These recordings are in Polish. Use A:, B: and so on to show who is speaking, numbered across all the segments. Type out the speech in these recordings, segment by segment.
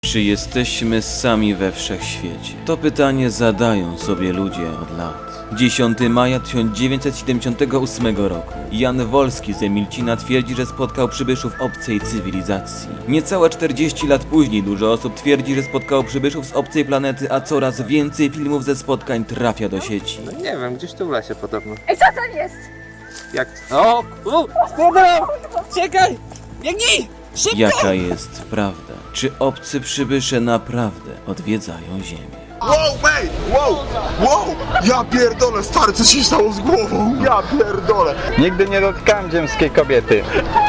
A: Czy jesteśmy sami we wszechświecie? To pytanie zadają sobie ludzie od lat. 10 maja 1978 roku Jan Wolski z Emilcina twierdzi, że spotkał przybyszów obcej cywilizacji. Niecałe 40 lat później dużo osób twierdzi, że spotkało przybyszów z obcej planety, a coraz więcej filmów ze spotkań trafia do sieci.
B: No nie wiem, gdzieś tu w lesie podobno.
C: Ej, co to jest?
B: Jak? O! Spłynął! Czekaj! Biegnij! Szybko!
A: Jaka jest prawda? Czy obcy przybysze naprawdę odwiedzają Ziemię?
D: Wow, ej! Wow! Ja pierdolę, stary, co się stało z głową? Ja pierdolę!
E: Nigdy nie dotykałem ziemskiej kobiety.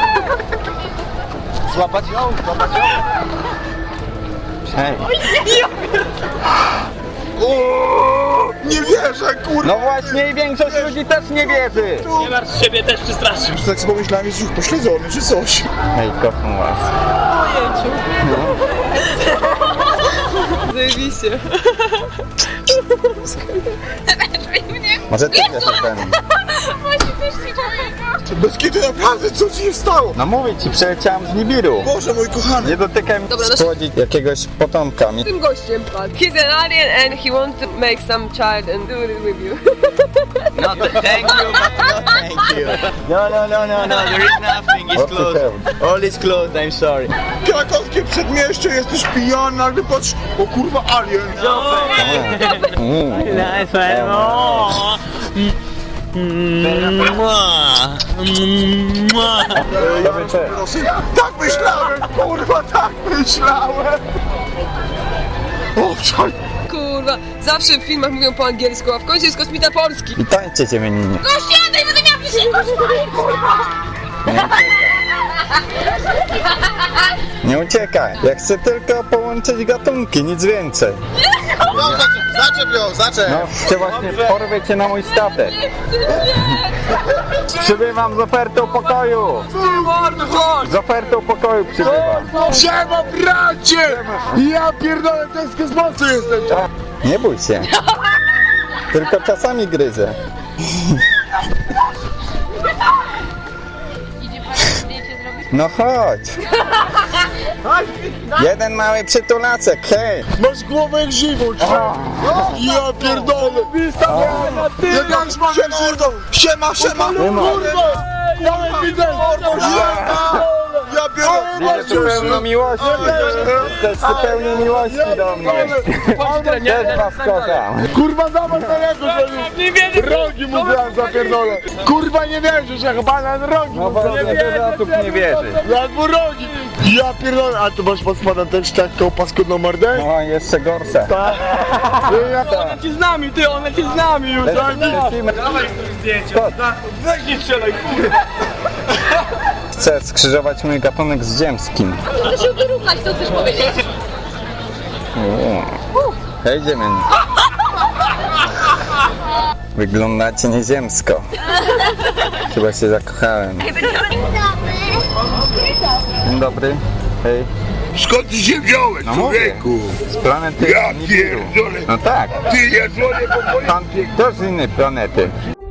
B: Złapać ją! Złapać ją!
E: Hej.
D: O, nie wierzę, kurwa!
E: No właśnie i większość ludzi też nie wierzy.
F: Nie martw siebie, też przestraszył.
D: Tak sobie pomyślałem, jest już pośledzony, czy coś.
E: Hej, kocham was.
C: Zajebiście.
E: Może ty wiesz o tym.
D: Bez kiedy naprawdę, co ci się stało?
E: No mówię ci, przyleciałem z Nibiru.
D: Boże, mój kochany!
E: Nie dotykaj mi
C: Dobra, no-
E: spłodzić jakiegoś potomka.
C: Tym gościem padł. He's an alien and he wants to make some child and do it with you.
F: No, thank you, but no thank you. No, there is nothing. It's
E: What the
F: closed.
E: hell?
F: All is closed, I'm sorry.
D: Krakowskie przedmieście, jesteś pijany, nagle patrz, o kurwa, alien!
F: Nice one. Oh.
E: Dobry czy?
D: Tak myślałem, kurwa, tak myślałem! O, czaj!
C: Kurwa, zawsze w filmach mówią po angielsku, a w końcu jest kosmita polski.
E: I tańcie cię mieninie.
C: No siadaj, będę miał
E: Nie uciekaj. Ja chcę tylko połączyć gatunki, nic więcej.
D: Zaczep ją!
E: No, chcę właśnie porwę cię na mój statek. Przybywam z ofertą pokoju. Z ofertą pokoju przybywam.
D: Siema, bracie! Ja pierdolę, to jest kosmosu jestem!
E: Nie bój się. Tylko czasami gryzę. No chodź. Jeden mały przytulacek, hej.
D: Masz głowę jak żywół! Ja pierdolę! Jak siema! Siema! Kurwa! Ja widzę! Ja pierdolę!
E: Widzę pełno miłości. Też pełno miłości do mnie. Też was kocham.
D: Kurwa, zobacz na niego, rogi mu zaraz zapierdolę! Kurwa, nie wierzysz, jak banan rogi
E: No
D: mu
E: bo dużo osób nie wierzy.
D: jak mu rogi! Ja pierdolę! A tu masz pod spodem też taką paskudną mordę?
E: No jeszcze gorsze.
D: Ona ci z nami, ty, ona ci z nami już!
E: Lecimy.
D: Weź nie strzelaj, kurwa!
E: Chcę skrzyżować mój gatunek z ziemskim.
C: Chcę się wyrównać, co chcesz powiedzieć?
E: Hej, ziemień. Wyglądacie nieziemsko. Chyba się zakochałem. Dzień dobry. Hej.
D: Skąd ty się wziąłeś, człowieku?
E: Z planety
D: Ja
E: Nibiru.
D: pierdolę!
E: No tak.
D: Ty, ja dzwonię po policję!
E: Pan to z innej planety.